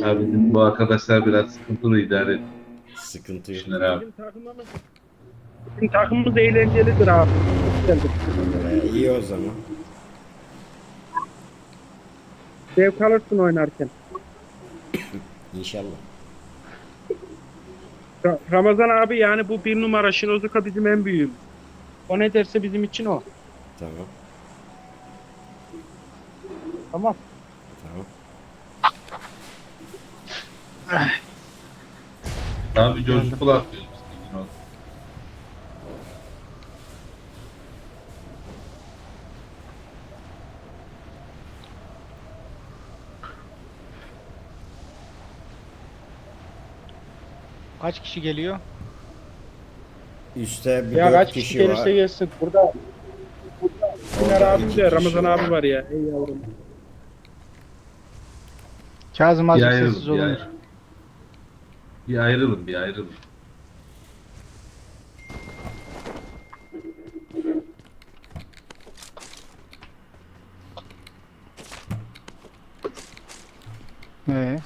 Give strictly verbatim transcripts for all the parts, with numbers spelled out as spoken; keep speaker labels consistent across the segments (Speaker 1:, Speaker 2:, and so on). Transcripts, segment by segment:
Speaker 1: Abi bizim bu arkadaşlar biraz sıkıntılı idare ediyor.
Speaker 2: Sıkıntı yok.
Speaker 1: Şunlar abi.
Speaker 3: Bizim takımımız, bizim takımımız eğlencelidir abi. Güzeldir.
Speaker 2: Ee, iyi o zaman.
Speaker 3: Zevk alırsın oynarken.
Speaker 2: İnşallah.
Speaker 3: Ra- Ramazan abi yani bu bir numara Şinozuka bizim en büyüğümüz. O ne derse bizim için o.
Speaker 2: Tamam.
Speaker 3: Tamam.
Speaker 2: Tamam.
Speaker 1: Abi coşkulu atıyoruz.
Speaker 4: Kaç kişi geliyor?
Speaker 2: Üste bir
Speaker 3: Ya
Speaker 2: dört
Speaker 3: kaç
Speaker 2: kişi,
Speaker 3: kişi gelirse
Speaker 2: var.
Speaker 3: gelsin. Burada Sinan
Speaker 2: Orada
Speaker 3: abim
Speaker 2: iki
Speaker 3: de
Speaker 2: kişi
Speaker 3: Ramazan
Speaker 2: var.
Speaker 3: abi var ya. Ey yavrum.
Speaker 4: Kazım
Speaker 1: Bir
Speaker 4: azıcık
Speaker 1: ayrılın,
Speaker 4: sessiz
Speaker 1: bir
Speaker 4: olun.
Speaker 1: ayrılın. Bir ayrılın, bir ayrılın.
Speaker 4: Ee,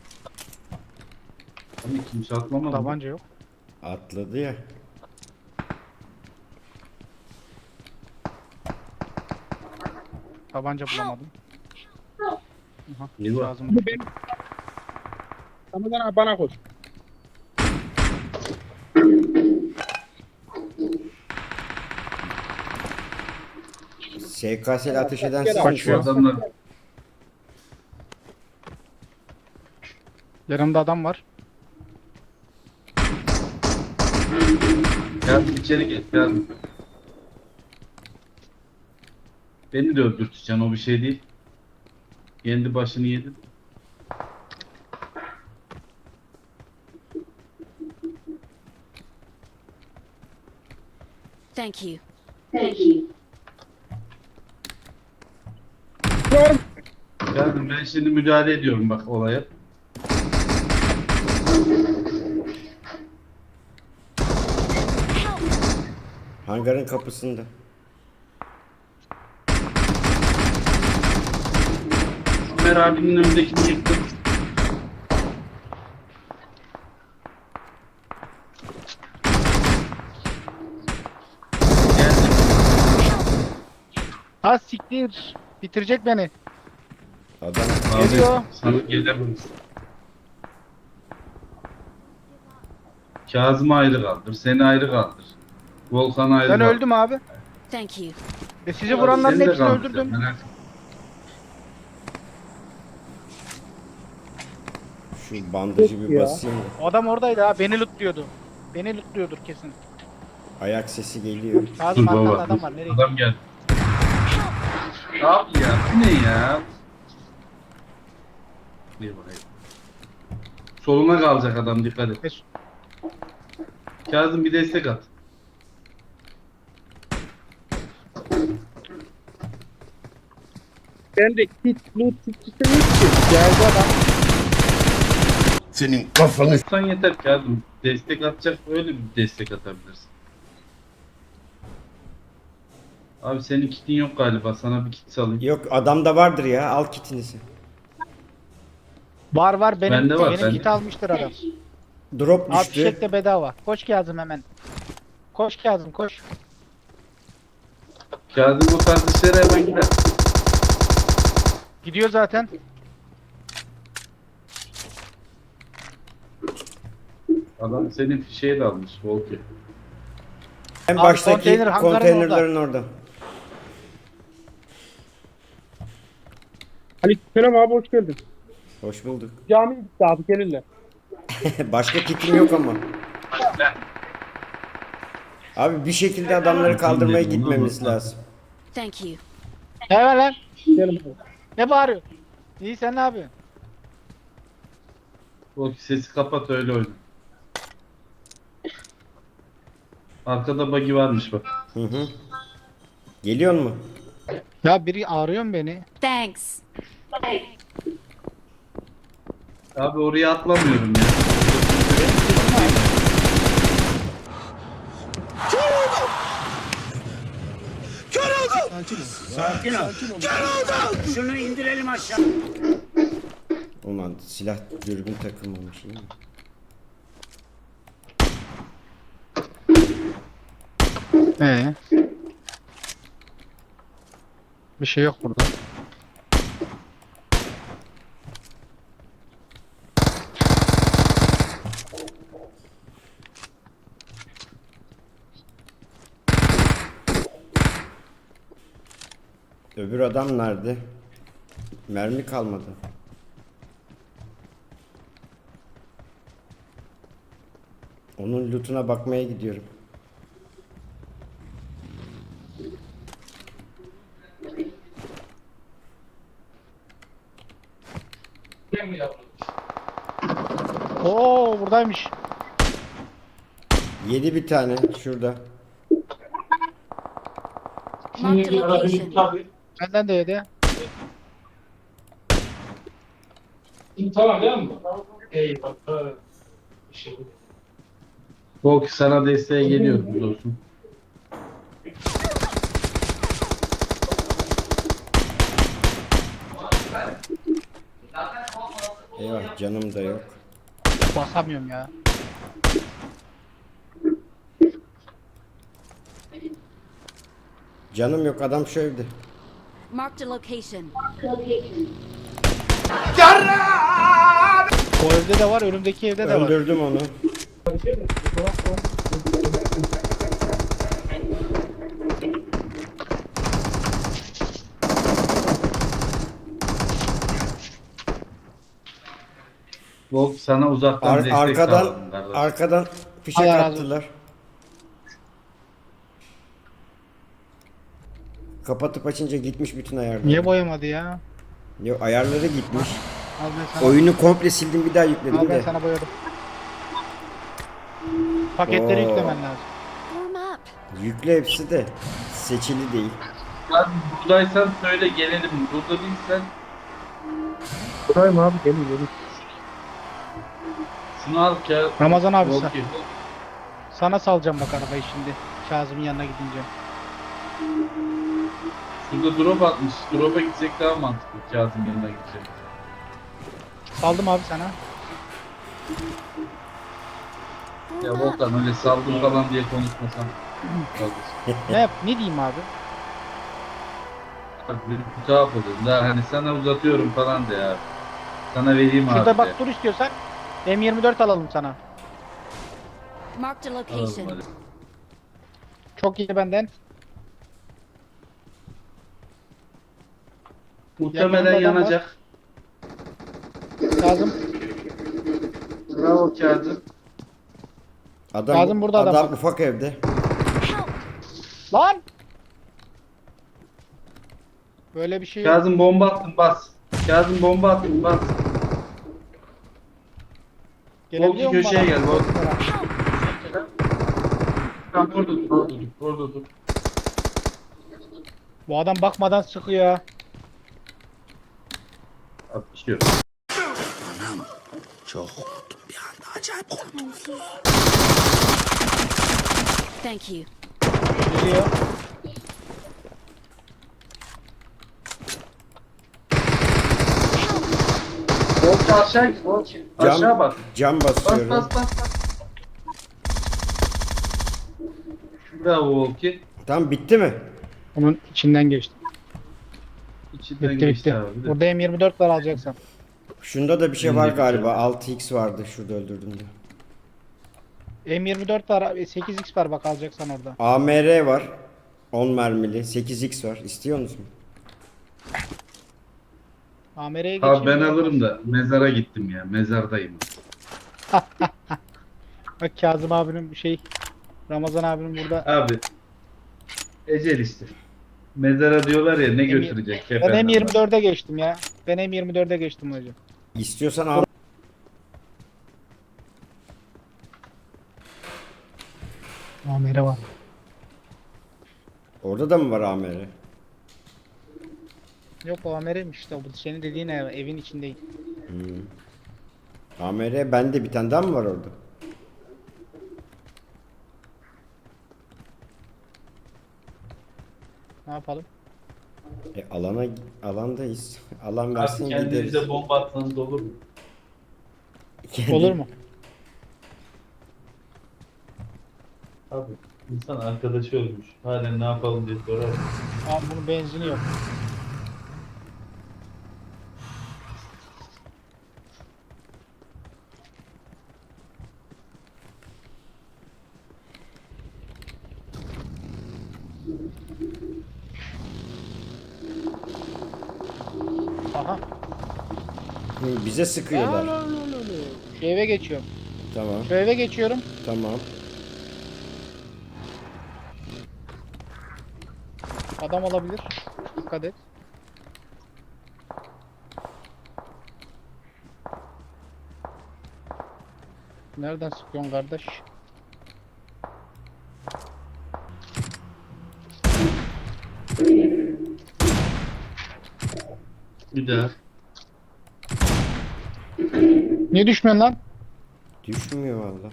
Speaker 1: Abi kimse atlamadı. mı?
Speaker 4: tabanca yok.
Speaker 2: Atladı ya.
Speaker 4: Tabanca bulamadım.
Speaker 1: Ne var?
Speaker 4: Kazım.
Speaker 3: Bu benim. Ramazan abi bana koş.
Speaker 2: S K S ile ateş eden
Speaker 3: Gel abi.
Speaker 1: Bu
Speaker 2: sizin şu an.
Speaker 1: adamlar
Speaker 4: Yanımda adam var.
Speaker 1: geldim içeri geç geldim. Beni de öldürteceksin o bir şey değil. Kendi başını yedin.
Speaker 5: Thank you.
Speaker 1: Geldim ben şimdi müdahale ediyorum bak olaya.
Speaker 2: Hangarın kapısında.
Speaker 1: Ömer abinin önündekini yıktım. Geldim.
Speaker 4: Ha siktir. Bitirecek beni.
Speaker 2: Adam
Speaker 1: Abi
Speaker 4: Geliyor.
Speaker 1: sana gelemem. Kazım'ı ayrı kaldır, seni ayrı kaldır. Volkan'ı ayrı
Speaker 4: Ben
Speaker 1: kaldır.
Speaker 4: öldüm abi.
Speaker 5: Thank you.
Speaker 4: Ve sizi vuranların
Speaker 1: Seni de
Speaker 4: hepsini
Speaker 1: kaldıracağım,
Speaker 4: öldürdüm.
Speaker 1: merak etme.
Speaker 2: şu bandajı bir
Speaker 3: Ya.
Speaker 2: basayım da.
Speaker 4: O adam oradaydı ha. Beni lootluyordu. Beni lootluyordur kesin.
Speaker 2: Ayak sesi geliyor.
Speaker 4: Kazım
Speaker 1: Dur
Speaker 4: arkanda
Speaker 1: baba.
Speaker 4: adam var. Nereye
Speaker 1: Adam geldi. Abi ya bu ne ya? Ne bakayım. Soluna kalacak adam dikkat et.
Speaker 4: gidiyor?
Speaker 1: Kazım bir destek at.
Speaker 3: Ben de kit, loot, kit istemiyorum ki. Geldi adam.
Speaker 6: Senin kafanı
Speaker 1: Sen yeter Kazım. Destek atacak öyle bir destek atabilirsin. Abi senin kitin yok galiba. Sana bir kit salayım.
Speaker 2: Yok adamda vardır ya. Al kitinizi.
Speaker 4: Var var benim.
Speaker 1: Bende var,
Speaker 4: benim
Speaker 1: bende.
Speaker 4: kit almıştır adam.
Speaker 2: Drop
Speaker 4: Abi
Speaker 2: düştü.
Speaker 4: fişek de bedava. Koş Kazım hemen. Koş Kazım koş.
Speaker 1: Kazım o tarz işlere hemen gider.
Speaker 4: Gidiyor zaten.
Speaker 1: Adam senin fişeği de almış. Volki.
Speaker 2: En
Speaker 4: Abi
Speaker 2: baştaki
Speaker 4: konteyner hangarın
Speaker 2: konteynerlerin orada.
Speaker 3: Aleykümselam abi hoş geldin.
Speaker 2: Hoş bulduk.
Speaker 3: Cami gitti abi gelirler.
Speaker 2: Başka kitim yok ama. Abi bir şekilde adamları kaldırmaya gitmemiz lazım.
Speaker 5: Thank you.
Speaker 4: Ne var lan?
Speaker 3: Gelin abi.
Speaker 4: Ne bağırıyor? İyi sen ne yapıyorsun?
Speaker 1: Volki sesi kapat öyle oyna. Arkada buggy varmış bak.
Speaker 2: Hı hı. Geliyor mu?
Speaker 4: Ya biri arıyor mu beni?
Speaker 5: Thanks.
Speaker 1: Abi oraya atlamıyorum ya.
Speaker 2: Ulan silah dürbün takılmamış değil mi?
Speaker 4: Ee. Bir şey yok burada.
Speaker 2: Öbür adam nerede? Mermi kalmadı. Onun lootuna bakmaya gidiyorum.
Speaker 4: Oo buradaymış.
Speaker 2: Yedi bir tane şurada.
Speaker 5: Marked a location.
Speaker 4: Benden de yedi.
Speaker 6: Tamam değil mi? Eyvallah. Bir şey yok.
Speaker 1: Volk sana desteğe geliyoruz dostum.
Speaker 2: Eyvah canım da yok.
Speaker 4: Basamıyorum ya.
Speaker 2: Canım yok adam şu evde.
Speaker 5: Marked a location.
Speaker 4: O evde de var, önümdeki evde de var.
Speaker 2: Öldürdüm onu.
Speaker 1: Volk sana uzaktan
Speaker 2: Ar-
Speaker 1: destek
Speaker 2: arkadan
Speaker 1: sağladım kardeş.
Speaker 2: arkadan fişek
Speaker 4: Allah razı
Speaker 2: attılar. Kapatıp açınca gitmiş bütün ayarlar.
Speaker 4: Niye boyamadı ya?
Speaker 2: Yok ayarları gitmiş.
Speaker 4: Al ben sana,
Speaker 2: Oyunu komple sildim bir daha
Speaker 4: al
Speaker 2: yükledim
Speaker 4: ben
Speaker 2: de.
Speaker 4: sana boyadım. Paketleri
Speaker 2: Oo.
Speaker 4: yüklemen lazım.
Speaker 5: Warm up.
Speaker 2: Yükle hepsi de seçili değil.
Speaker 1: Abi buradaysan söyle gelelim. Burada değilsen
Speaker 4: Buradayım abi, gelin gelin.
Speaker 1: şunu al ki.
Speaker 4: Ramazan abi sen.
Speaker 1: Volki.
Speaker 4: Sana salacağım bak arabayı şimdi. Kazım'ın yanına gidince.
Speaker 1: Şurada drop atmış. Drop'a gitsek daha mantıklı. Kazım yanına gidecek.
Speaker 4: Saldım abi sana.
Speaker 1: Ya
Speaker 5: Warm up.
Speaker 1: Volkan öyle saldım falan diye konuşmasam. Kardeşim.
Speaker 4: Ne yap? Ne diyeyim abi?
Speaker 1: Bak bir tuhaf oluyor. Daha hani sana uzatıyorum falan de ya. Sana vereyim abi.
Speaker 4: Şurada bak
Speaker 1: de.
Speaker 4: dur istiyorsan. M yirmi dört alalım sana.
Speaker 5: Marked a
Speaker 1: Alalım
Speaker 5: location.
Speaker 1: hadi.
Speaker 4: Çok iyi benden.
Speaker 1: Muhtemelen
Speaker 4: Yakında adam var.
Speaker 1: yanacak.
Speaker 4: Kazım.
Speaker 1: Bravo Kazım.
Speaker 2: Adam,
Speaker 4: Kazım burada adam
Speaker 2: adam
Speaker 4: bak.
Speaker 2: ufak evde.
Speaker 5: Help.
Speaker 4: Lan! Böyle bir şey yok.
Speaker 1: Kazım bomba attım bas. Kazım bomba attım bas.
Speaker 4: Gelebiliyor
Speaker 1: Volki
Speaker 4: mu
Speaker 1: köşeye
Speaker 4: bana?
Speaker 1: gel, Volki.
Speaker 5: Help.
Speaker 1: Tamam orada dur, orada dur, orada dur.
Speaker 4: Bu adam bakmadan sıkıyor.
Speaker 1: Atışıyor.
Speaker 5: Thank you.
Speaker 4: Geliyor.
Speaker 1: Volki aşağı git, Volki.
Speaker 2: Cam,
Speaker 1: Aşağı bak.
Speaker 2: cam
Speaker 1: Bas
Speaker 2: basıyorum.
Speaker 1: bas bas bas. Bravo Volki.
Speaker 2: Tamam bitti mi?
Speaker 4: Onun içinden geçti.
Speaker 1: İçinden
Speaker 4: Bitti
Speaker 1: geçti
Speaker 4: bitti.
Speaker 1: abi de.
Speaker 4: Burada M yirmi dört var alacaksan.
Speaker 2: Şunda da bir şey
Speaker 1: Şimdi
Speaker 2: var
Speaker 1: bir
Speaker 2: galiba.
Speaker 1: şey.
Speaker 2: altı x vardı şurada öldürdüğümde.
Speaker 4: M yirmi dört var, sekiz x var bak alacaksan orada.
Speaker 2: A M R var. on mermili. sekiz x var. İstiyor musun?
Speaker 4: A M R'ye geçeyim.
Speaker 1: Abi ben
Speaker 4: mi?
Speaker 1: alırım da mezara gittim ya. Mezardayım.
Speaker 4: Bak Kazım abinin şey, Ramazan abinin burada.
Speaker 1: Abi. Ecel işte. Mezara diyorlar ya ne
Speaker 4: Em-
Speaker 1: götürecek
Speaker 4: Ben
Speaker 1: kefenden.
Speaker 4: M yirmi dörde geçtim ya. Ben M yirmi dörde geçtim hocam.
Speaker 2: İstiyorsan al.
Speaker 4: A M R var.
Speaker 2: Orada da mı var A M R?
Speaker 4: Yok o A M R'miş işte. Bu senin dediğin ev, evin içindeyim.
Speaker 2: A M R bende bir tane daha mı var orada?
Speaker 4: Ne yapalım?
Speaker 2: E, alana alandayız. Alan versin
Speaker 1: Artık
Speaker 2: gideriz.
Speaker 1: kendinize bomba atsanız olur mu?
Speaker 2: Kendi-
Speaker 4: Olur mu?
Speaker 1: Abi insan arkadaşı ölmüş. Halen ne yapalım diye sorar.
Speaker 4: Abi bunun benzini yok. Aha.
Speaker 2: Hı, bize sıkıyorlar.
Speaker 4: Şu eve geçiyorum.
Speaker 2: Tamam,
Speaker 4: Şu eve geçiyorum.
Speaker 2: tamam.
Speaker 4: Adam olabilir. Dikkat et. Nereden sıkıyorsun kardeş?
Speaker 1: Bir daha.
Speaker 4: Niye düşmüyorsun lan?
Speaker 2: Düşmüyor valla.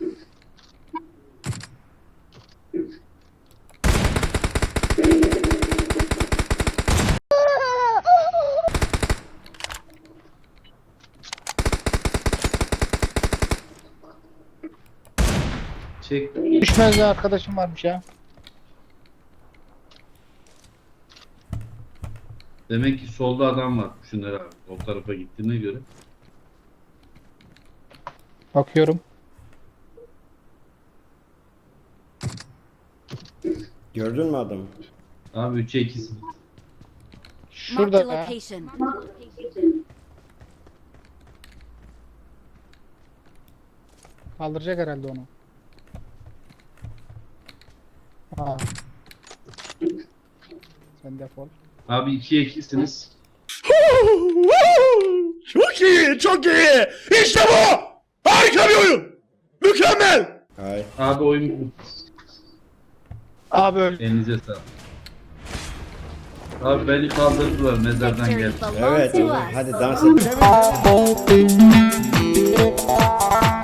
Speaker 1: Çek.
Speaker 4: Düşmez bir arkadaşım varmış ya.
Speaker 1: Demek ki solda adam var. Şunlara abi. O tarafa gittiğine göre.
Speaker 4: Bakıyorum.
Speaker 2: Gördün mü adamı?
Speaker 1: Abi üçe ikisi.
Speaker 5: Marked
Speaker 4: Şurada
Speaker 5: a
Speaker 4: ya.
Speaker 5: location.
Speaker 4: Kaldıracak herhalde onu. Ha. Sen defol.
Speaker 1: Abi ikiye ikisiniz.
Speaker 7: Çok iyi, çok iyi. İşte bu. Harika bir oyun. Mükemmel.
Speaker 2: Hayır.
Speaker 1: Abi oyun
Speaker 4: Abi öldü.
Speaker 1: elinize sağlık. Abi beni kaldırdılar mezardan
Speaker 5: Victory
Speaker 1: geldi.
Speaker 5: belongs
Speaker 2: Evet,
Speaker 5: to
Speaker 2: evet.
Speaker 5: us.
Speaker 2: Hadi dans edelim.